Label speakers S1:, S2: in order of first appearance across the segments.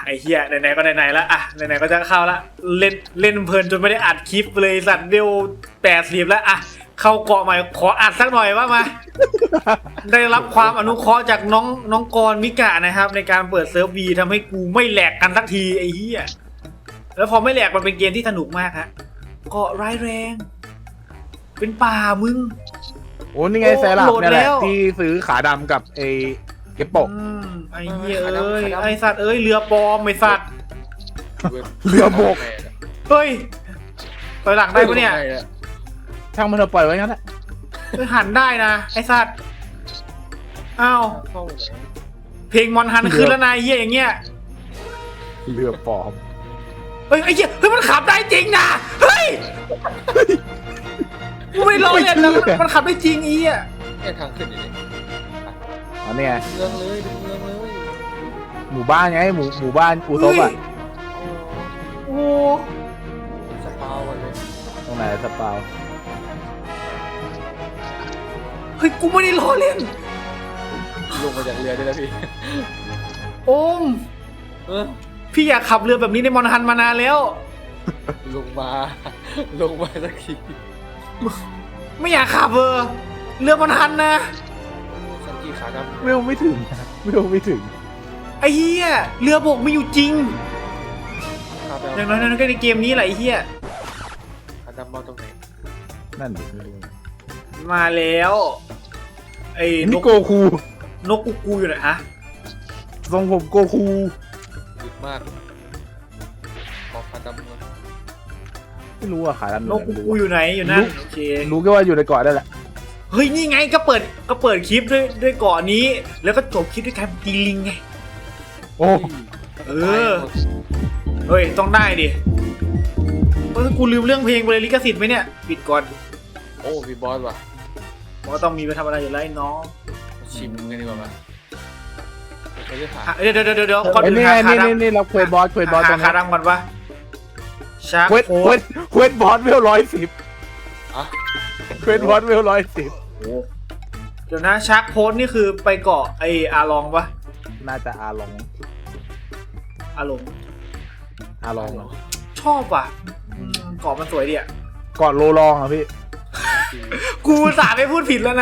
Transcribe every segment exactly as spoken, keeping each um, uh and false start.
S1: ไอ้เหี้ยไหนๆก็ไหนๆละอ่ะไหนๆก็จะเข้าละเล่นเล่นเพลินจนไม่ได้อัดคลิปเลยสัตว์เดียวแปดสิบแล้วอ่ะเข้าเกาะใหม่ขออัดสักหน่อยว่ามา ได้รับความอนุเคราะห์จากน้องน้องกรมิกะนะครับในการเปิดเซิร์ฟวีทำให้กูไม่แหลกกันสักทีไอ้เหี้ยแล้วพอไม่แหลกมันเป็นเกมที่สนุกมากฮะเกาะร้ายแรงเป็นป่ามึง
S2: โอ้นี่ไง
S1: โอ้
S2: แซลับ
S1: โหลด
S2: เนี่ยแห
S1: แล้
S2: ละ
S1: ว
S2: ที่ซื้อขาดำกับไอ้เก็บโปก
S1: อืมไอ้เหี้ยเอ้ยไอ้สัตว์เอ้ยเรือปลอมไอ้สัตว์
S2: เรือบก
S1: เฮ้ยถอยหลังได้ปะเนี่ย
S2: ช่างมันเถอะปล่อยไว้งั้นแหละ
S1: เฮ้ยหันได้นะไอ้สัตว์อ้าวเพลงมอนฮันขึ้นแล้วนายเหี้ยอย่างเงี้ย
S2: เรือปลอม
S1: เฮ้ยไอ้เหี้ยเฮ้ยมันขับได้จริงนะเฮ้ยกูไม่ล้อเล่นนะมันมันขับได้จริงอีอ่ะ
S3: แค่ทางขึ้นอยู่นี่
S2: อ๋อเนี่ย
S3: เมืองเลยเป็นเมืองเลย
S2: หมู่บ้านไงหมู่หมู่บ้านอูซบอ่ะ
S1: โอ้
S3: สปาวกันเลย
S2: ตรงไหนสปาว
S1: เฮ้ยกูไม่ได้ล้อเล่น
S3: ลงมาจากเรือได้แล้วพี่
S1: โอม
S3: เออ
S1: พี่อยากขับเรือแบบนี้ในมอนฮันมานานแล้ว
S3: ลงมา ลงมาสักที
S1: ไม่อยากขับเออเรือมอนฮันนะ
S3: สันกีขาดำ
S2: เวลไม่ถึงนะเวลไม่ถึง
S1: ไอ้เหี้ยเรือบกมีอยู่จริง
S3: ขาดำ
S1: อย่างน้อยๆก็ในเกมนี้แหละไอ้เหี้ย
S3: ขาดำมาตรงไหน
S2: นั่นดิไม่รู้
S1: มาแล้วไอ้น
S2: นี่
S1: ก
S2: โกคู
S1: นกกูกูอยู่ไหนฮะ
S2: ทรงผมโกคู
S3: ดึกมากขอขาดำมา
S2: ไม่รู้อะขาดำ
S1: นกกูกูอยู่ไหนอยู่นั่นโอเค
S2: รู้แค่ว่าอยู่ในเกาะได้แหละ
S1: เฮ้ยนี่ไงก็เปิดก็เปิดคลิปด้วยด้วยเกาะนี้ แล้วก็จบคลิปด้วยการตีลิงไง
S2: โอ้
S1: เออ เฮ้ยต้องได้ดิเฮ้ยกูลืมเรื่องเพลงไปเลยลิขสิทธิ์ไหมเนี่ยปิดก่อน
S3: โอ้มีบอสว่ะ
S1: บอกว่าต้องมีไปทำอะไรอยู่แล้วไอ้น้อง
S3: มาชิมกันดีกว่ามั้ยไปเรื่อยหา
S1: อ่ะเดี๋ยวเดี๋ยวเดี๋ยวเดี๋ยวก่อน
S2: ไอ้
S1: อื่น
S2: นี่
S1: หา
S2: ไง
S1: ขา
S2: นี่
S1: ด
S2: นี่นี่เราเควสบอสเควส
S1: ำ
S2: บอสตร
S1: หาง
S2: นี้
S1: ขาดำก่อนวะชาร์
S2: เควส
S1: โค้
S2: เคว
S1: ด
S2: สเควสบอสเวลร้อยสิบ
S3: อ่ะ
S2: เควสบอสเวลร้อยสิบ
S1: เดี๋ยวนะชาร์กโค้ดนี่คือไปเกาะไออาลองปะ
S2: น่าจะอาลอง
S1: อาลง
S2: อาลองเหรอ
S1: ชอบว่ะอืมเกาะมันสวยดีอ่ะ
S2: เกาะโลลองอ่ะพี่
S1: กูอุตสาห์ไม่พูดผิดแล้วนะ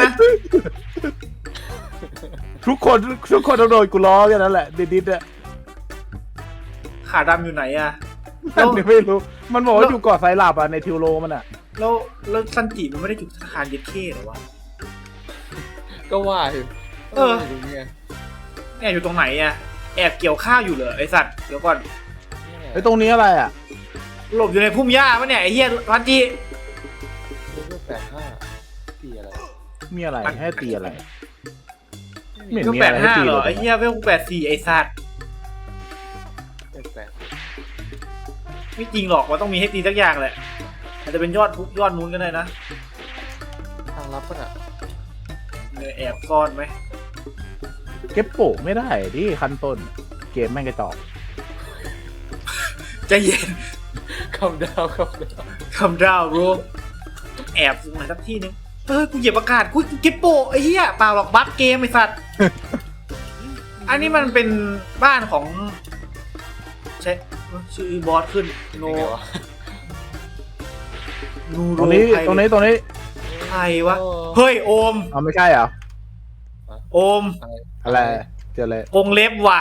S2: ทุกคนทุกคนต้องโดนกูล้อแค่นั้นแหละดิดๆอะ
S1: ขาดำอยู่ไหนอะ
S2: นั่นนี่ไม่รู้ มันบอกว่าอยู่เกาะไซรัปอ่ะในทิวโรมันอ่ะ
S1: แล้วแล้วซันจิมันไม่ได้อยู่ธนาคารเย็ดเข้เหรอวะ
S3: ก็ว่าอยู่
S1: เออ
S3: ตรงนี้
S1: แอบอยู่ตรงไหนอะแอบเกี่ยวข้าวอยู่เหรอไอสัตว์เดี๋ยวก่อน
S2: ไอ้ตรงนี้อะไรอ่ะ
S1: หลบอยู่ในพุ่มหญ้าปะเนี่ยไอเหี้ยซันจิ
S3: เรื่องแปดห้าตีอะไร
S2: มีอะไรให้ตีอะไร
S3: ไม่
S2: เหม็
S3: มี
S2: น
S1: ก็แปดห้าเหรอไอเหี้ยเวลแปดสี่ไอสัตว์
S3: แปด
S1: ไม่จริงหรอกว่าต้องมีให้ตีสักอย่างแหละอาจจะเป็นยอดทุกยอดนู้นก็ได้นะ
S3: ทางลับปะน่ะ
S1: เนี่ยแอบซ่อนไหม
S2: เก็บโปะไม่ได้ที่ขั้นต้น เกมแม่งกระจอก
S1: ใจเย็น
S3: คำดาวคำดาว
S1: คำดาวรูต้องแอบมาสักที่นึงเฮ้ยกูเหยียบอากาศกูเก็บโปะไอ้เหี้ยเปล่าหรอกบั๊กเกมไอ้สัตว์ อันนี้มันเป็นบ้านของใช่ชื่อบอสขึ้นโน
S3: ยังไงวะ
S1: นูโร
S2: ตรงนี้
S1: ใค
S2: ตรงนี้ตรงนี้
S1: ใครวะเฮ้ยโอม
S2: เอาไม่ใช่เหรอ
S1: โอม
S2: อะไรเจอเลย
S1: กงเล็บว่ะ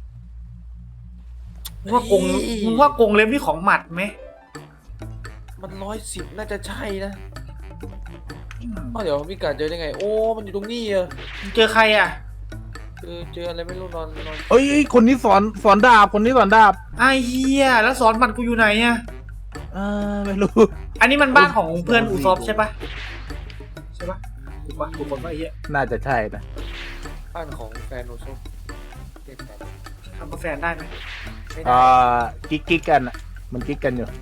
S1: มึงว่ากงมึงว่ากงเล็บนี่ของหมัดไหม
S3: มันร้อยสิบน่าจะใช่นะอ้าวเดี๋ยวพี่กาเจอได้ไง โอ้มันอยู่ตรงนี้อะ
S1: มึงเจอใครอ่ะ
S3: เจอเจออะไรไม่รู้นอนนอน
S2: เอ้ยคนนี้สอนสอนดาบคนนี้สอนดาบ
S1: ไอ้เหี้ยแล้วสอนมันกูอยู่ไหนอ่ะ
S2: อ่าไม่รู้
S1: อันนี้มันบ้านของเพื่อนอูซอฟใช่ปะใช่ปะถูกปะถูกคนปะไอ้เหี้ย
S2: น่าจะใช่นะ
S3: บ้านของแฟนโนโซเจ็ดแปด
S1: ทำกับแฟนได้ไหม
S3: ไม่ได้
S2: อ่ากิ๊กกิ๊กกันอ่ะมันกิ๊กกันอยู่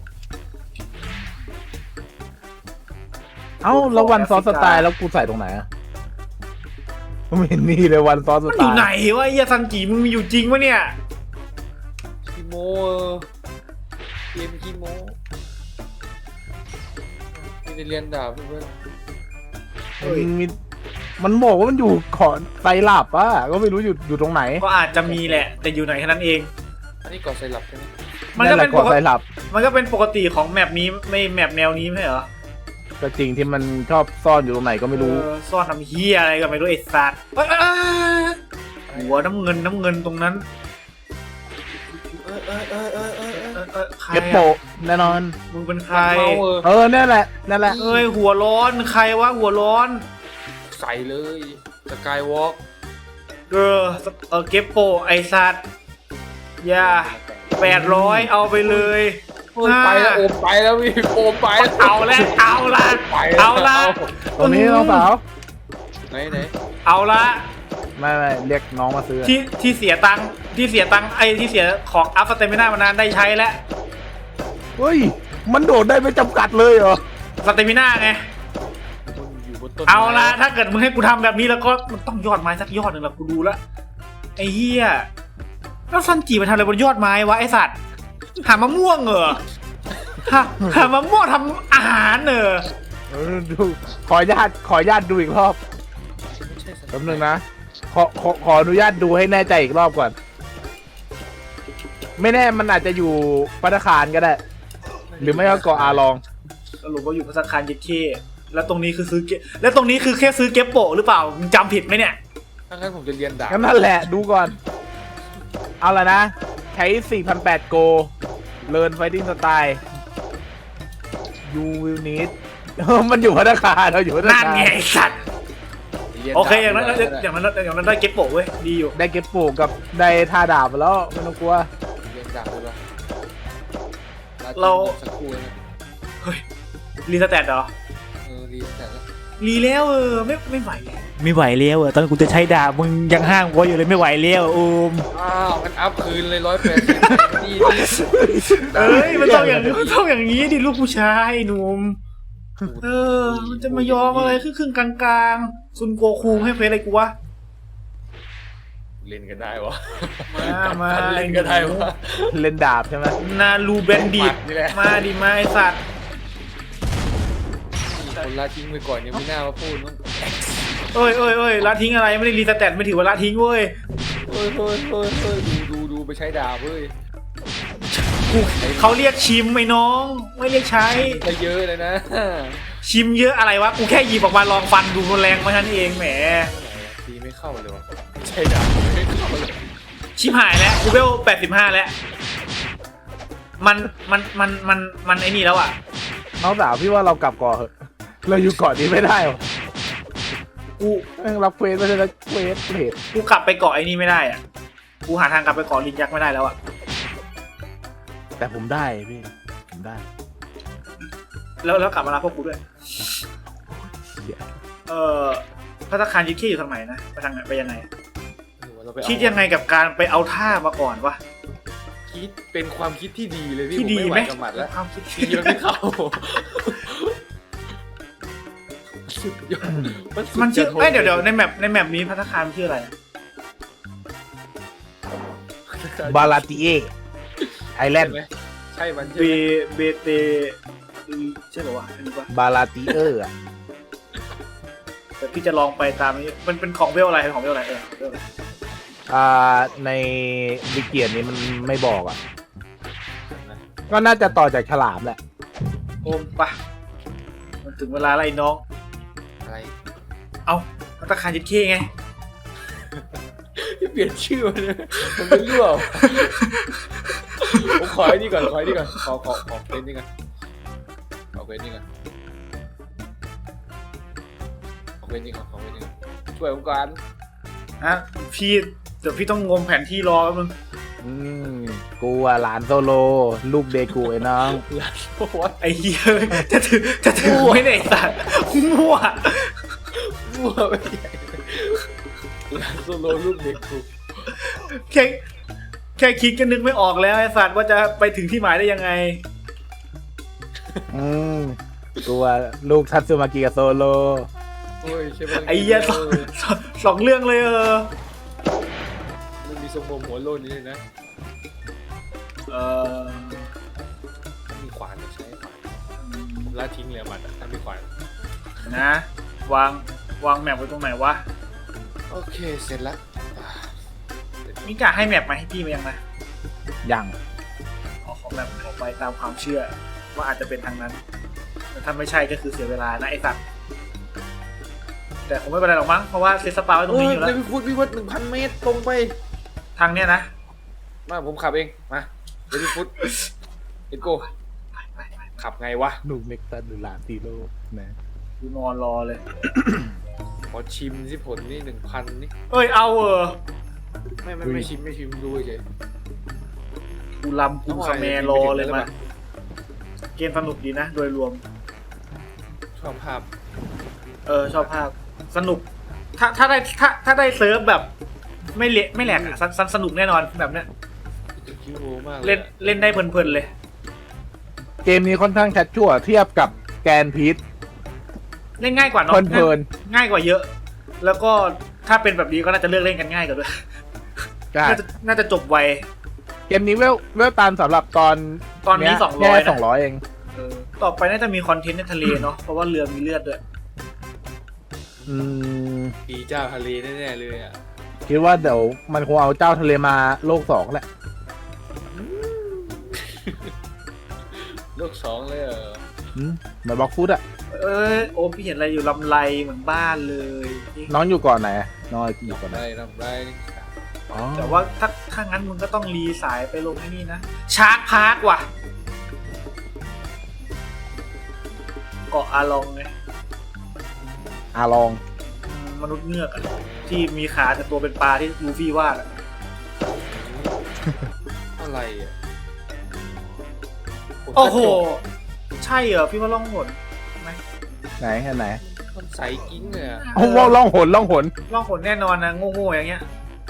S2: เอ้าแล้ววันซอสสไตล์แล้วกูใส่ตรงไหนอ่ะไม่เห็นนี่เลยวันซอสส
S1: มัน
S2: ไต
S1: อยู่
S2: ล์
S1: ไหนวะไอ้เหี้ยซันจิมึงมีอยู่จริงปะเนี่ย
S3: คีโมเกมคีโมไม่ได้เรียนดาบเพื่อน
S2: มันมีมันบอกว่ามันอยู่เกาะไซรัปอ่ะก็ไม่รู้อยู่อยู่ตรงไหน
S1: ก็อาจจะมีแหละ แต่อยู่ไหนแค่นั้นเอง
S3: อันนี้ก่อไซรัปใช่ไหม
S1: มันก็เป็น
S2: แหละ
S1: ปก
S2: ไซ
S1: ติ
S2: รัป
S1: มันก็เป็นปกติของแมปนี้ไม่แมปแนวนี้ไม่ใช่เหรอ
S2: ก็จริงที่มันชอบซ่อนอยู่ตรงไหนก็ไม่รู้
S1: เออซ่อนทำเฮียอะไรก็ไม่รู้ไอ้สัตว์เอ้ยเอ้ยเอ้ยหัวน้ำเงินน้ำเงินตรงนั้น
S3: เออเออเออเออเออเออ
S1: เออเออใคร
S2: เก็บ
S1: อะ
S2: โปะแน่นอน
S1: มึงเป็นใคร
S3: มันเมาเออ
S2: เออนั่นแหละนั่นแหละ
S1: เอ้ยหัวร้อนใครวะหัวร้อน
S3: ใส่เลยสกายวอล์ก
S1: เออเออเก็บโปะไอ้สัตว์อย่าแปดร้อยเอาไปเลย
S3: ไปแล้วโอมไปแล้วพี่โอมไปแล้ว
S1: เอาละเอาละ
S3: ไป
S1: เอาละ
S2: ตรงนี้น้องสาว
S3: ไหนไหน
S1: เอาละ
S2: ไม่ไม่เรียกน้องมาซื้อ
S1: ที่ที่เสียตังค์ที่เสียตังค์ไอ้ที่เสียของอัพสเตมิน่ามานานได้ใช้แล้ว
S2: เฮ้ยมันโดดได้ไม่จำกัดเลยเหรอ
S1: สเตมิน่าไง
S3: มันอยู่บนต้น
S1: เอาละถ้าเกิดมึงให้กูทำแบบนี้แล้วก็มันต้องยอดไม้สักยอดหนึ่งละกูดูละไอ้เหี้ยแล้วซันจิมันทำอะไรบนยอดไม้วะไอ้สัตว์หามะม่วงเหรอหาหามะม่วงทำอาหารเหรอ
S2: เออดูขออนุญาตขออนุญาตดูอีกรอบ
S3: ไม่ใช่สัตว์
S2: แป๊บนึงนะขอขอขออนุญาตดูให้แน่ใจอีกรอบก่อน ไม่แน่มันอาจจะอยู่ปัตตาคารก็ได้ หรือไม่ก็เกาะอาลอง
S1: สรุปว่าอยู่พัสคารเย็ดเคแล้วตรงนี้คือซื้อเก็บแล้วตรงนี้คือแค่ซื้อเก็บโปะหรือเปล่ามึงจำผิดไหมเนี่ย
S3: ถ้างั้นผมจะเรียนดาบ
S2: งั้นนั่นแหละดูก่อน เอาละนะ ใช้ สี่พันแปดร้อย โก Learn Fighting Style You will need มันอยู่พัตตาคารเราอยู่พัตตา
S1: นั่น
S2: คาร
S1: ไงไอ้สัตว์
S3: รีย
S1: โอเคอย่างนั้น
S3: ดบ
S1: อย่างนั้นอย่างนั้นได้เก็บโปะเว้ยดีอยู่
S2: ได้เก็บปลูกกับได้ท่าดาบมาแล้วไม่ต้องกลัว
S3: เรียนดาบเลย
S1: เรา
S3: สักครู่นะ
S1: เฮ้ยรีสแตทเหรอ
S3: เออรีแต่ละ
S1: รีแล้วเออไม่ไม่ไหวแล้วไม่ไหวแล้วเออตอนกูจะใช้ดาบมึงยังห้างกูอยู่เลยไม่ไหวแล้วโอม
S3: อ้าวมันอัพคืนเลยร้อยแปดสิบดีดี
S1: เอ้ยมันต้องอย่างมันต้องอย่างนี้ดิลูกผู้ชายหนุ่มเออมันจะมายอมอะไรครึ่งครึ่งๆกลางๆซุนโกคูให้เฟซอะไรกูวะ
S3: เล่นกันได้วะ
S1: มามา
S3: เล่นกันได้วะ
S2: เล่นดาบใช่ไหม
S1: นาลูเบนดิ
S3: ปัดนี่แหละ
S1: มาดิมาไอสัตว์
S3: คนละทิ้งไปก่อนยังไม่น่ามาพูดน้อง
S1: เอ้ยเอ้ยเอ้ยละทิ้งอะไรไม่ได้รีสแตทไม่ถือว่าละทิ้งเว้ย
S3: เฮ้ยเฮ้ยเฮ้ยเฮ้ยดูดูดูไปใช้ดาบเว้ย
S1: กูเขาเรียกชิมไอ้น้อง ไม่เรียกใช้
S3: ไปเยอะเลยนะ
S1: ชิมเยอะอะไรวะ กูแค่หยิบออกมาลองฟันดูมันแรงไหมท่านนเองแหม
S3: ตีไม่เข้าเลยวะใช้ดาบไม่เข้าเลย
S1: ชิมหายแล้วกูเวลแปดสิบห้าแล้ว มันมันมันมันมันไอ้นี่แล้วอ่ะ
S2: น้องสาวพี่ว่าเรากลับก่อนเถอะเราอยู่เกาะนี้ไม่ได้หรอ
S1: กู
S2: แม่งรับเควสไม่ใช่รับเควสเพจ
S1: กูกลับไปเกาะไอ้นี่ไม่ได้อ่ะ กูหาทางกลับไปเกาะลินยักษ์ไม่ได้แล้วอ่ะ
S2: แต่ผมได้พี่ผมได้
S1: แล้วแล้วกลับมารับพวกกูด้วย เอ่อพัตตาคารยิคิอยู่ทางไหนนะ ไปทางไหนไปยังไง
S3: หรือว่าเราไปเอา
S1: คิดยังไงกับการไปเอาท่ามาก่อนวะ
S3: คิดเป็นความคิดที่ดีเลยพี่
S1: ที่ดี
S3: ผ
S1: ไหม
S3: ไหวกับหมัดแล้ว
S1: ความคิด
S3: ตีมันไม่เข้าสุดยอดสุด
S1: มันชื่อ
S3: จะท
S1: เอ้ยเดี๋ยวเดี๋ยวในแมปในแมปนี้พัตตาคารมันชื่ออะไรอะ
S2: บาลาติเอไอแลนด์
S3: ใช่ไหมใช่มันใช่
S1: เบ
S3: ไหม
S1: เบเตใช่ป่าวะอันนี้ปะ
S2: บาลาติเออร์อะ
S1: แต่พี่จะลองไปตามนี้มันเป็นของเวลอะไรเป็นของเวลอะไรเออเวลอะไร
S2: อ่าในวิเกียนนี้มันไม่บอกอ่ะ ก็น่าจะต่อจากฉลามแหละ
S1: โอมปะมันถึงเวลาแล้วไอ้น้อง
S3: อะไร
S1: เอาพัตตาคารยิดเคไง
S3: เปลี่ยนชื่อมันเลยมันเป็นรั่วผมขอไอ้นี่ก่อนขอไอ้นี่ก่อนขอขอขอเป็นนี่ก่อนขอเป็นนี่ก่อนขอเป็นนี่ก่อนขอเป็นนี่ก่อนช่วยผมก่อน
S1: ฮะพี่เดี๋ยวพี่ต้องงมแผนที่รอแป๊บนึง
S2: อืมกูอะหลานโซโล ลูกเดกูไอ้น้อง
S3: โอ้โห
S1: ไอ้เหี้ยจะถือจะถือไม่ได้ไอ้สัตว์มั่ว
S3: รั่วไปใหญ่ลานโซโลลูกเด็กกู
S1: แค่แค่คิดก็นึกไม่ออกแล้วไอ้สัตว์ว่าจะไปถึงที่หมายได้ยังไง
S2: อืมกูอะลูกทัตสึมากิกับโซโล
S3: โอ้ยใช่ไหม
S1: ไอ้เหี้ยสองสองสองเรื่องเลยเออ
S3: มันมีทรงผมหัวโลนนี่เลยนะ
S1: เออ
S3: มีขวานใช้ขวานผมละทิ้งเลยมันถ้ามีขวาน
S1: นะวางวางแมปไว้ตรงไหนวะ
S3: โอเคเสร็จแล้ว
S1: มิกาให้แมปมาให้พี่มายังนะ
S2: ยัง
S1: ออกของแบบออกไปตามความเชื่อ ว่าอาจจะเป็นทางนั้นแต่ถ้าไม่ใช่ก็คือเสียเวลานะไอ้สัตว์แต่คงไม่เป็นไรหรอกมั้งเพราะว่าเซตสปาไว้ตรงนี้อยู่
S3: เล
S1: แล้
S3: ยว พี่ฟุตพี่ฟุตหนึ่งพันเมตรตรงไป
S1: ทางเนี้ยนะ
S3: มาผมขับเองมาเดี๋ยวพี่ฟุตเอ็นโก้
S1: ไปไปไป
S3: ขับไงวะ
S2: หนูเม็กซัสหรือลาติโลนะ
S1: กูนอนรอเลย
S3: ขอชิมสิผลนี่หนึ่งพันนี่
S1: เอ้ยเอาเออ
S3: ไม่ไม่ไม่ชิมไม่ชิมดูเฉย
S1: กูลำกูคาเมรอเลยมาเกมสนุกดีนะโดยรวม
S3: ชอบภาพ
S1: เออชอบภาพสนุก ถ้าถ้าได้ถ้าถ้าได้เซิร์ฟแบบ ไม่เละไม่แหลกอ่ะสนสนุกแน่นอนแบบเนี้ย
S3: คิวโรมาก
S1: เล่นเล่นได้เพลินๆเลย
S2: เกมนี้ค่อนข้างชัดชั่วเทียบกับแกนพีท
S1: เล่นง่ายกว่าเนาะ
S2: เพลิน
S1: ง่ายกว่าเยอะ แล้วก็ถ้าเป็นแบบนี้ก็น่าจะเลือกเล่นกันง่ายกว่าด้วย
S2: ใช่
S1: น่าจะน่าจะจบไว
S2: เกมนี้เวลเวลตันสำหรับตอน
S1: ตอนนี้
S2: เย
S1: สองร้อย
S2: แค่สองร้อยเอง
S1: เออต่อไปน่าจะมีคอนเทนต์ในทะเลเนาะเพราะว่าเรือมีเลือดด้วย
S2: อืม
S3: ปีเจ้าทะเลแน่ๆเลยอ่ะ
S2: คิดว่าเดี๋ยวมันคงเอาเจ้าทะเลมาโลกสองแหละ
S3: โลกสองเลยเหรอ
S2: อืมเหมือนบล็อกฟุตอะ
S1: เอ้ยโอมพี่เห็นอะไรอยู่ลำไรเหมือนบ้านเลยนี่
S2: น้องอยู่ก่อนไหนอะน้องอยู่ก่อนไหน
S3: ได้รับได้
S2: อ๋อ
S1: แต่ว่าถ้าถ้างั้นมึงก็ต้องรีสายไปลงที่นี่นะชาร์กพาร์คว่ะเกาะอาลองไง
S2: อาลอง
S1: อืมมนุษย์เงือกอะที่มีขาแต่ตัวเป็นปลาที่ลูฟี่วาดอะ
S3: อะไรอ่ะ
S1: โอ้โห ใช่เหรอพี่ว่าล่องหนไหม
S2: ไหนแค่ไหน
S3: มันใสกิ้งเลยอ่ะ
S2: โอ้ว่าล่องหนล่องหน
S1: ล่องหนแน่นอนนะโง่ๆอย่างเงี้ย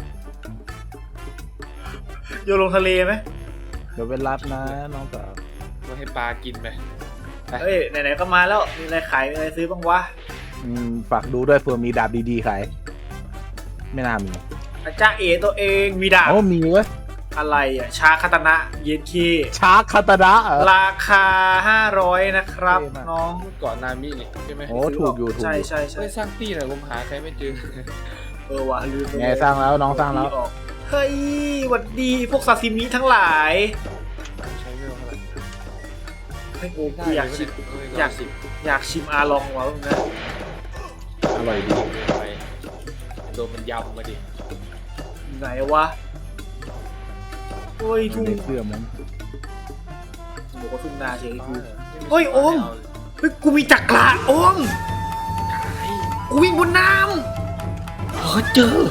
S1: โยนลงทะเลไหม
S2: เดี๋ยวเป็นรับนะน้องสาว
S3: มาให้ปลากินไป
S1: เอ้ยไหนๆก็มาแล้วมีอะไรขายมีอะไรซื้อบ้างวะ
S2: อืมฝากดูด้วยเผื่อมีดาบดีๆขายไม่น่ามี
S1: อาจารย์เอตัวเองมีดาบ
S2: โอ้มีเว้ย
S1: อะไรอ่ะชาคาตนะเย็นคี
S2: ชาร์คคาตาดะเหรอ
S1: ราคาห้าร้อยนะครับ
S2: เท่มาก
S1: น้อง
S3: เก่อนนามินี่ใช่ไหม
S2: โอ้ถูกอยู่ถูก
S1: ใช่
S2: อยู่
S1: ใช่ใช่
S3: ไม่สร้างที่หน่อยผมหาใครไม่เจอ
S1: เออว่ะลืมไปเลย
S2: ไงสร้างแล้วน้องสร้างแล้ว
S1: ออกเฮ้ยหวัดดีพวกซาซิมิทั้งหลาย
S3: ใช้ไม่เท่าไหร่
S1: เฮ้ยโอ้
S3: ได้
S1: กูอยากชิมอยาก
S3: สิบ
S1: อยากชิมอาลองว่ะมึงนะ
S2: อร่อยดี
S3: ไปโดนมันยำมาดิ
S1: อยู่ไหนวะเฮ้ย
S2: อยู่
S1: ทุ่ง
S2: ในเสื้อมัน
S1: บอกว่าทุ่งนาเฉยกู
S3: เฮ้
S1: เฮ้ยโอม เฮ้ยกูมีจักระโอมกูวิ่งบนน้ำเออเจอ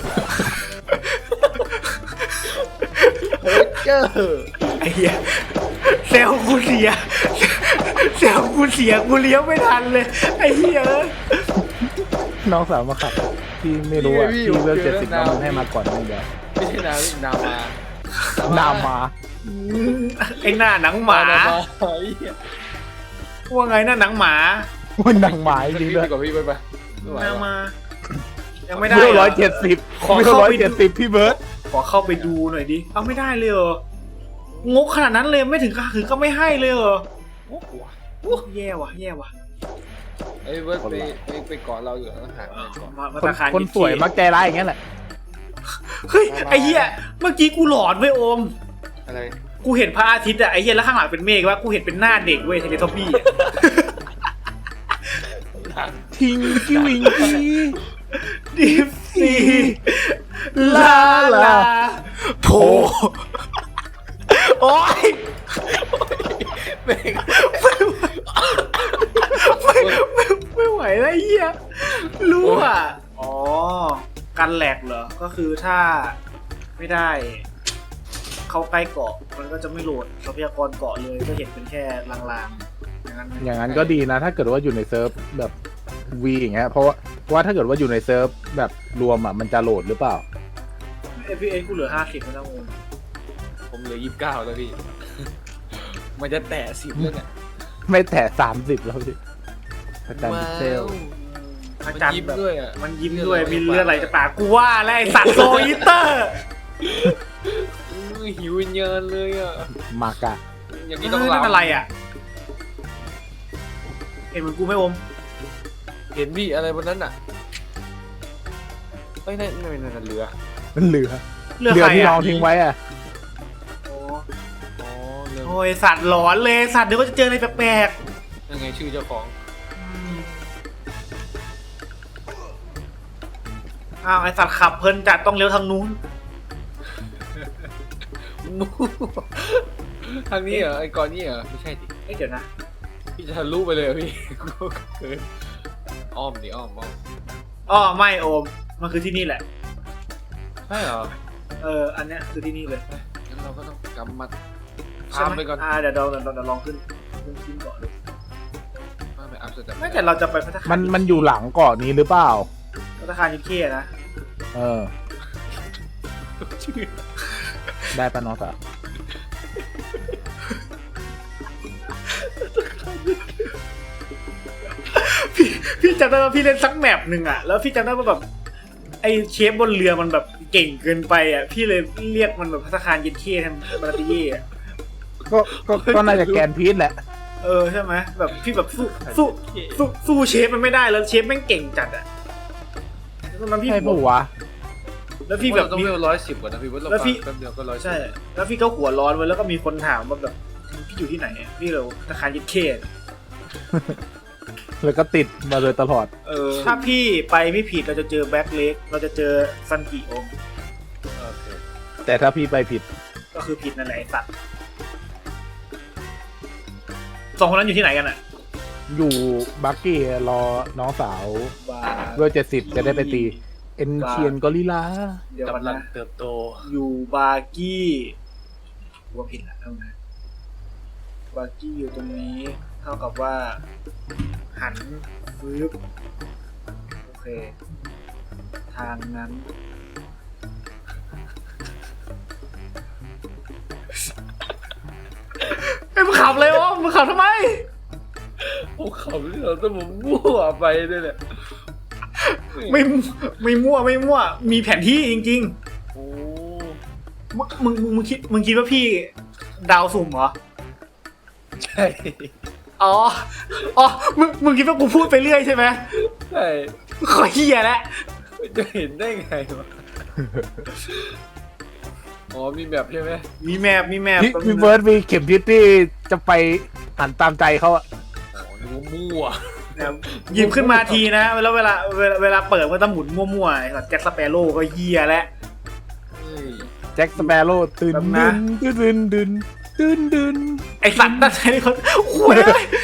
S3: เฮ้ยเจอ
S1: ไอ้เหี้ยเซลล์กูเสียเซลล์กูเสียกูเลี้ยวไม่ทันเลยไอ้เหี้ย
S2: น้องสาวมาขับที่ไม่รู้อ่ะที่เวลเจ็ดสิบน้องมันให้มาก่อนนี่เดียว
S3: ไม่ใช่นามินามา
S2: นามา
S1: ไอ้หน้าหนังหมา
S3: นามาเฮ้ย
S1: ว่าไงหน้าหนังหมา
S2: มันดังหมายจริง
S3: พี่
S2: ด้วย
S3: ดีกว่าพี่ไปไปไม่ไหว
S1: หน้า
S3: ว่ะ
S1: มา ยังไม่ได้
S2: เวล
S1: ห
S2: ร้อยเจ็ดสิบ
S1: ขอ
S2: เวล
S1: เข้า
S2: ร้อย
S1: ไป
S2: เจ็ด
S1: ดู
S2: สิบพี่เบิร์ต
S1: ขอเข้าไปดูหน่อยดิเอาไม่ได้เลยเหรองกขนาดนั้นเลยไม่ถึงก็คือก็ไม่ให้เลยเหรอ
S3: โอ้โห
S1: โอ้แย่ว่ะแย่ว่ะ
S3: เอ้ยเว้ยไปไปไปเกาะเราอยู่ข้างหางเลยก่อน
S1: มามา
S2: คน
S1: ตาคาร
S2: คนสวยมักใจร้ายอย่างเงี้ยแหละ
S1: เฮ้ยไอ้เหี้ยเมื่อกี้กูหลอนเว้ยโอม
S3: อะไร
S1: กูเห็นพระอาทิตย์อะไอ้เหี้ยแล้วข้างหลังเป็นเมฆว่ากูเห็นเป็นหน้าเด็กเว้ยเทเลทอปปี้อะ
S2: ทิงกิ้วิงกี้
S1: ดิฟซีลาลาโผโอ้ย
S3: ไม่ง
S1: ไม่ไม่ไม่ไหวแล้วไอ้เหี้ยรู้อ่ะอ๋อกันแหลกเหรอก็คือถ้าไม่ได้ เข้าใกล้เกาะมันก็จะไม่โหลดทรัพยากรเกาะเลยก็เห็นเป็นแค่ลางๆอย่างนั้นไหม
S2: อย่างนั้นก็ดีนะ ถ้าเกิดว่าอยู่ในเซิร์ฟแบบวีอย่างเงี้ยเพราะว่าเพราะว่าถ้าเกิดว่าอยู่ในเซิร์ฟแบบรวมอ่ะมันจะโหลดหรือเปล่า
S1: เอพีเอกูเหลือห้าสิบแล้วนะงง
S3: ผมเหลือยี่สิบเก้าแล้วพี่ มันจะแตะสิบแล้วเนี่ย
S2: ไม่แตะสามสิบแล้วพี่อาจารย์พิเซล
S1: อา
S3: มัน
S1: จารย์
S3: ยิ้ม
S1: แบบ
S3: ด้วยอ่ะ
S1: มันยิ้มด้วยมีเลือดไหลจากปากกูว่าแล้วไอ้สัตว์โซอิเตอร์
S3: อื้อหิววิญญาณเลยอ่ะ
S2: มากะ
S3: อย่างนี้
S1: นี่
S3: ต้
S1: ต้
S3: อ
S1: อง ง
S3: ลา
S1: อะไรอ่ะเห็นเหมือนกูไหม่อม
S3: เห็นพี่อะไรบนนั้นอ่ะไม่นั่นไม่นั่นเรือ
S2: มันเหลือ
S1: เลือก
S2: เหลือ
S1: ใคร
S2: ที่น้
S1: อ่ะ
S2: องทิ้งไว้อ่ะ
S1: โอ้อ้ยสัตว์หลอนเลยสัตว์เดี๋ยวก็จะเจออะไรแปลก
S3: ยังไงชื่อเจ้าของ
S1: ๆอืมอ้าวไอสัตว์ขับเพลินจัดต้องเลี้ยวทางนู้น
S3: มูทางนี้เหรอไอ้กอนนี่เหรอไม่ใช่ดิ
S1: เอ้ยเดี๋ยวนะ
S3: พี่จะทะลุไปเลยเหรอพี่กูเกินอ้อมดิอ้อมอ้อม
S1: อ้อไม่โอมมันคือที่นี่แหละ
S3: ใช่เหรอ
S1: เอออันเนี้ยคือที่นี่เลย
S3: งั้นเราก็ต้องกำมัด
S1: ใช่
S3: ข้าม
S1: ไหม
S3: ไปก่อน
S1: อ่าเดี๋ยวเราเดี๋ยวเราเดี๋ยวลองขึ้นขึ้นขึ้นก่อนเลย
S3: ข้ามไปอัพสเต็ป
S1: ไม่แต่เราจะไปพัฒนา
S2: มันมันอยู่หลังเกาะนี้หรือเปล่า
S1: พัฒนายูเคนะ
S2: เออ
S3: ชื่อ
S2: ได้ปะน้องสาว
S1: พี่พี่จำได้ว่าพี่เล่นสักแมปหนึ่งอ่ะแล้วพี่จำได้ว่าแบบไอเชฟบนเรือมันแบบเก่งเกินไปอ่ะพี่เลยเรียกมันแบบพัฒนายูเคแทนบาราติเย่อะ
S2: ก็ก็ก็น่าจะแกนพีชแหละ
S1: เออใช่ไหมแบบพี่แบบสู้สู้สู้สู้เชฟมันไม่ได้แล้วเชฟแม่งเก่งจัดอ่ะแล้วตอนนั้นพี่
S2: ใช่ปะวะ
S1: แล้วพี่แบบ
S3: ต้อง
S1: มี
S3: เวลร้อยสิบกว่านะพี่ว่าเรา
S1: แล้วพี่
S3: แป๊บเดียวก็ร้อย
S1: ใช่ แล้วพี่ก็หัวร้อนไว้แล้วก็มีคนถามว่าแบบพี่อยู่ที่ไหนอะพี่เราธนาคารยิดเคส
S2: แล้วก็ติดมาโดยตลอด
S1: เออถ้าพี่ไปไม่ผิดเราจะเจอแบ็คเล็กเราจะเจอซันกิโอม
S3: โอเค
S2: แต่ถ้าพี่ไปผิด
S1: ก็คือผิดนั่นแหละไอ้สัตว์สองคนนั้นอยู่ที่ไหนกันอะ
S2: อยู่บักกี้รอน้องสาว
S1: บา
S2: เวลเจ็ดสิบจะได้ไปตี เอ็นเชียนกอริลลา
S1: เดี๋ยวกัน
S3: กำลัง
S1: นะ
S3: เติบโต
S1: อยู่บาร์กี้ว่าผิดละเท่านั้นบาร์กี้อยู่ตรงนี้ เท่ากับว่า หันฟื้บโอเค ทางนั้น ไอ้มึงขับเลยวะมึงขับทำไม
S3: โอ้เขาที่เราต้องมามั่วไปด้วยแหละ
S1: ไม่ไม่มั่วไม่มั่ว มีแผนที่จริง
S3: โอ้
S1: ๆ มึงมึงมึงมึงคิดมึงคิดว่าพี่ดาวสุ่มเหรอ
S3: ใช่
S1: อ๋อ อ๋อ มึงมึงคิดว่ากูพูดไปเรื่อยใช่ไหม
S3: ใช่
S1: ขอเฮียแล้ว
S3: จะเห็นได้ไงวะอ๋อมีแบบใช่ไหม
S1: มีแมพมีแมพ
S2: พี่พี่เบิร์ดมีเข็มทิศที่จะไปหันตามใจเขาอะ
S3: อ๋อนึกว่ามั่ว
S1: หยิบขึ้นมาทีนะแล้วเวลาเวลาเวลาเปิดมันจะหมุนมั่วๆไอ้สัตว์แจ็คสเปโร่ก็เฮียแล้ว
S3: เฮ้ย
S2: แจ็คสเปโร่ตื่น
S1: แบบ
S2: ดึ
S1: นะ
S2: นตื่นดึนตื่นดึน
S1: ไอสัตว์นั่นใช่ไหมคนโอ้ย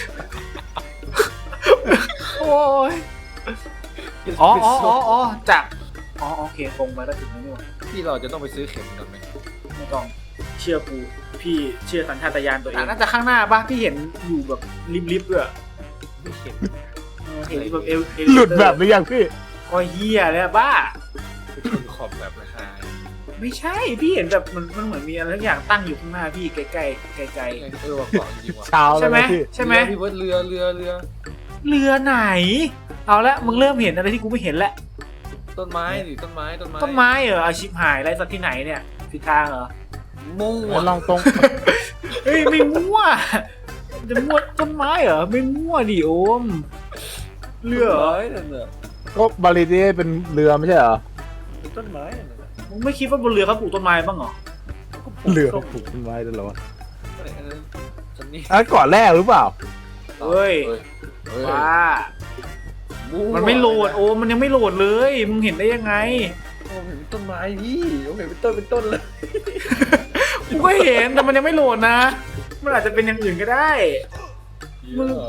S1: โอ้ยอ๋ออ๋ออ๋ออ๋อจากอ๋อโอเคคงไปแล้วถึงแล้วนี่หว่า
S3: ที่เราจะต้องไปซื้อเข็มก่อนไหม
S1: ไม่ต้องเชื่อกูพี่เชื่อสัญชาตญาณตัวเองน่าจะข้างหน้าป่ะพี่เห็นอยู่แบบริบๆด้วย
S3: ไม่เข็ม
S1: เออเห็นแบบเอลเอล
S2: หลุดแบบหรือยังพี่
S1: ก็เฮียเลยอะบ้า
S3: เป็นขอบแบบราคา
S1: ไม่ใช่พี่เห็นแบบมันมันเหมือนมีอะไรทุกอย่างตั้งอยู่ข้างหน้าพี่ใกล้ๆไกล
S3: เออว่าเกาะจริงว่ะ
S2: เช้า
S1: ๆ
S2: แล้
S1: ใช่
S2: ว
S1: ไหม
S2: นะพี่
S1: ใช่ไหม
S3: พี่เบิร์ดเรือเรือเรือ
S1: เรือไหน เอาละมึงเริ่มเห็นอะไรที่กูไม่เห็นแล้ว
S3: ต้นไม้ดิต้นไม้ต้นไม้
S1: ต้นไม้เหรออาชิบหายไรสักที่ไหนเนี่ยผิดทางเหรอ
S3: มั่ว
S2: แล้วลองตรง
S1: เฮ้ยไม่มั่วจะมั่วต้นไม้เหรอไม่มั่วดิโอมเรือเหรอ
S3: ต้นไม้นั่นน่ะ
S2: ก็บาริเดียเป็นเรือไม่ใช่เหรอ
S3: ต้นไม้นั่นน่ะ
S1: มึงไม่คิดว่าบนเรือเขาปลูกต้นไม้บ้างเหรอ
S2: เรือปลูกต้นไม้ด้วยเหรอวะ
S3: ไอ้อันนั้นฉันนี่
S2: อันนก่อนแรกหรือเปล่า
S1: เฮ้ย
S3: เฮ้ยเฮ้ย
S1: ว้า
S3: มั่ว
S1: มันไม่โหลดโอมมันยังไม่โหลดเลยมึงเห็นได้ยังไง
S3: ผมเห็นเป็นต้นไม้พี่ผมเห็นเป็นต้นเป็นต้นเลย
S1: กูก็เห็นแต่มันยังไม่โหลดนะ มันอาจจะเป็นอย่างอื่นก็ได้ มึง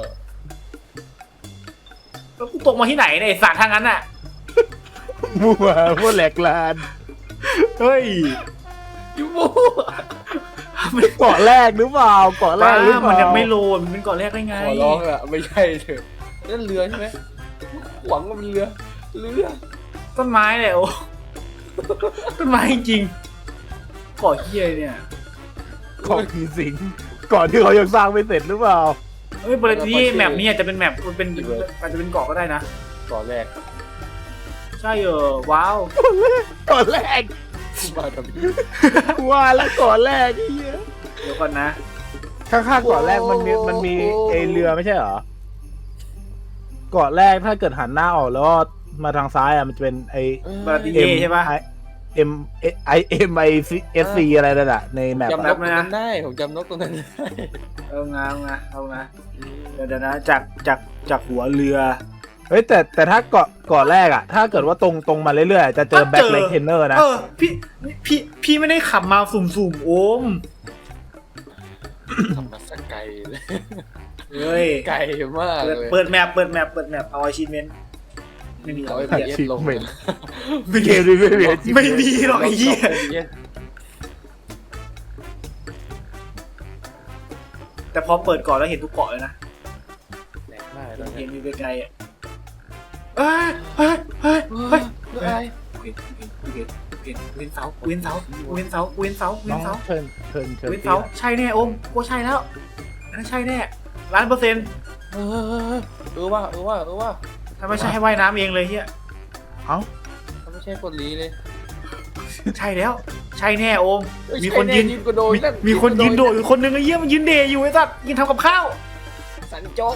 S1: แล้วกูตกมาที่ไหนเนี่ยไอ้สัตว์ทางนั้นอ่ะ
S2: มั่วพวกแหลกลาน
S1: เฮ้ย
S3: ยูมั่ว
S2: เกาะแรกหรือเปล่าเกาะแร
S1: บ้าก
S2: หรือเป
S1: มัน
S2: ล่า
S1: ยังไม่โหลดมันเป็นก่อนแรกได้ไง
S3: ขอร้องอะไม่ใช่เถอะนั่นเรือใช่ไหมหวังว่ามันเรือเรือ
S1: ต้นไม้เลยโอ้ ต้นไม้จริงๆก่อเฮียเนี่ย
S2: เกาะผีสิงเกาะที่เขายังสร้างไม่เสร็จหรือเปล่า
S1: เฮ้ยบริที่แมปนี้อาจจะเป็นแมปมันเป็นอาจจะเป็นเกาะก็ได้นะ
S3: ก่อนแรก
S1: ใช่เออว้าว
S2: เกาะแรก
S3: มากับพี่
S2: ว่าแล้วเกาะแรกไอ้เหี้ย
S1: เดี๋ยวก่อนนะ
S2: ข้างๆเกาะแรกมันมีมันมีไอเรือไม่ใช่เหรอเกาะแรกถ้าเกิดหันหน้าออกแล้วก็มาทางซ้ายอ่ะมันจะเป็นไอ
S1: บาราติเย่ใช่ปะ
S2: ไอ M I M I S C อะไรนั่นแหละในแมป
S3: จำน
S2: อะ
S3: กตรงนั้นได้ผมจำนกตรงนั้นได้
S1: เอางาเอางาเอางาเดี๋ยวเดี๋ยวนะจากจากจากหัวเรือ
S2: เฮ้ยแต่แต่ถ้าเกาะเกาะแรกอะถ้าเกิดว่าตรงตรงมาเรื่อยๆ จะเจอแบ็คเลนเทนเนอร์นะ
S1: เออพี่พี่พี่ไม่ได้ขับมาสุ่มๆโอม
S3: ทำมาสักไกลเลย
S1: เฮ้ย
S3: ไกลมาก
S1: เปิด
S3: เลย
S1: เปิดแมปเปิดแมปเปิดแมปเอาอาชีพเมนไม่มีหร
S3: เอา
S1: อก
S3: ไอ้
S1: ไอ้
S3: เบี
S1: เหี้
S3: ย
S1: ย
S3: ดลง
S2: ไม่
S1: ไม่
S2: เก
S1: มี
S2: มนี้ไม่มี
S1: ไม่มีหรอกไอ้เหี้ย แต่พอเปิดก่อนแล้วเห็นทุกเกาะเลยนะ
S3: แหลกมากเลย
S1: เห็นมีไกลๆอ่ะเอ้ยเฮ้ยเฮ้ย
S3: เฮ้
S1: เฮ้
S3: ย
S1: ย
S3: อะไร
S1: เห็นเห็นเห็นเห็นเสาเว้นเสาเว้นเสาเว้นเสาเว้
S2: น้อน ง
S1: เสา
S2: เชิญเชิญเชิญ
S1: เว้นเสาใช่แน่โอมกูใช่แล้วอันนั้นใช่แน่ล้านเปอร์เซ็นต์
S3: เออเออว่าเออว่าเออว่า
S1: ถ้าไม่ใช่ให้ว่ายน้ำเองเลยเฮีย
S2: เอ้า
S3: ถ้าไม่ใช่กดลีเลย
S1: ใช่แล้ว ใช่แน่โอม
S3: เอ้
S1: มีคนยืน
S3: ใช่แกระโดด
S1: มีมีคนยืนโดดอยู่คนหนึงไอ้เหี้ยมันยืนเดย์อยู่ไอ้สัตว์ยืนทำกับข้าว
S3: สันโจ๊ะ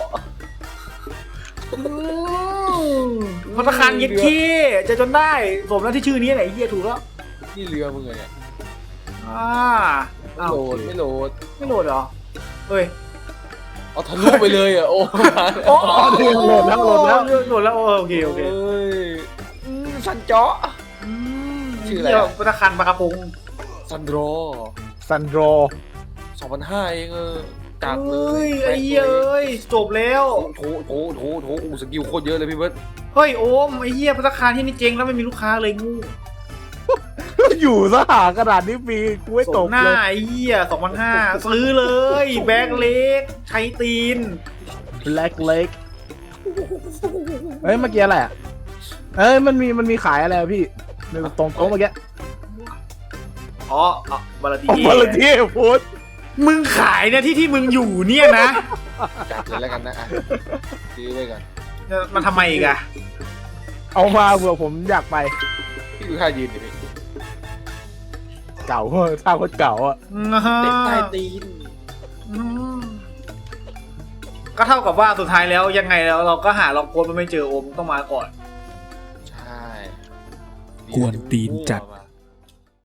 S1: พัตตาคารเย็ดขี้เจะจนได้สมแล้วที่ชื่อนี้แหละไอ้เหี้ยถูกแล้ว
S3: นี่เรือมึงเลยเนี่ย
S1: อ่า
S3: ไม่
S1: อ้าว
S3: โหลดไม่โหลด
S1: ไม่โหลดเหรอเฮ้ย
S3: เอาทะลุไปเลยอ่ะโอ้
S1: โอ้
S2: โหลดแล้วโหลดแล้ว
S1: โหลดแล้วโอเคโอเค
S3: เอ้ยอืมสันโจ๊ะ ชื่ออะไรอะ
S1: เหี้ยพัตตาคารปลากระพง
S3: ซันโดร
S2: ซันโดร
S3: สองพันห้าเองเออจัดเล
S1: เฮ้
S3: ย
S1: ยไอ้เหี้ยเอ้ยจบแล้ว
S3: โถโถโถโถโอ้สกิลโคตรเยอะเลยพี่เบิร์ด
S1: เฮ้ยโอมไอ้เหี้ยพัตตาคารที่นี่เจ๊งแล้วไม่มีลูกค้าเลยงู
S2: อยู่สหากระดาษนี้มีกูไม่
S1: ส
S2: ต
S1: ม
S2: ก
S1: หน้า
S2: เลย
S1: ไอ้เหี้ยสองพันห้าซื้อเลย แบ็คเล็กใช้ตีน
S2: แบล็กเล็กเฮ้ยเมื่อกี้อะไรอ่ะเอ้ยมันมีมันมีขายอะไรอะพี่ในตรงโต๊ะเมื่อกี้
S1: อ๋ออ๋อบาลาตี
S2: โอ้มาเลยที่พูด
S1: มึงขายเนี่ยที่ที่มึงอยู่เนี่ยนะ
S3: จัดเลยแล้วกันนะอ่ะซื้อไว้ก่อน
S1: มันทำไมอีกอะ
S2: เอามาเผื่อผมอยากไป
S3: พี่ดูท่ายืนดิพี่
S2: เก่าท่าโคตรเก่าอ่ะ
S3: เตะใต้ตีน
S1: อืมก็เท่ากับว่าสุดท้ายแล้วยังไงแล้วเราก็หาล็อกโค้ดมันไม่เจอโอมต้องมาก่อน
S3: ใช่
S1: กวนตีนจัด
S3: มั่วมา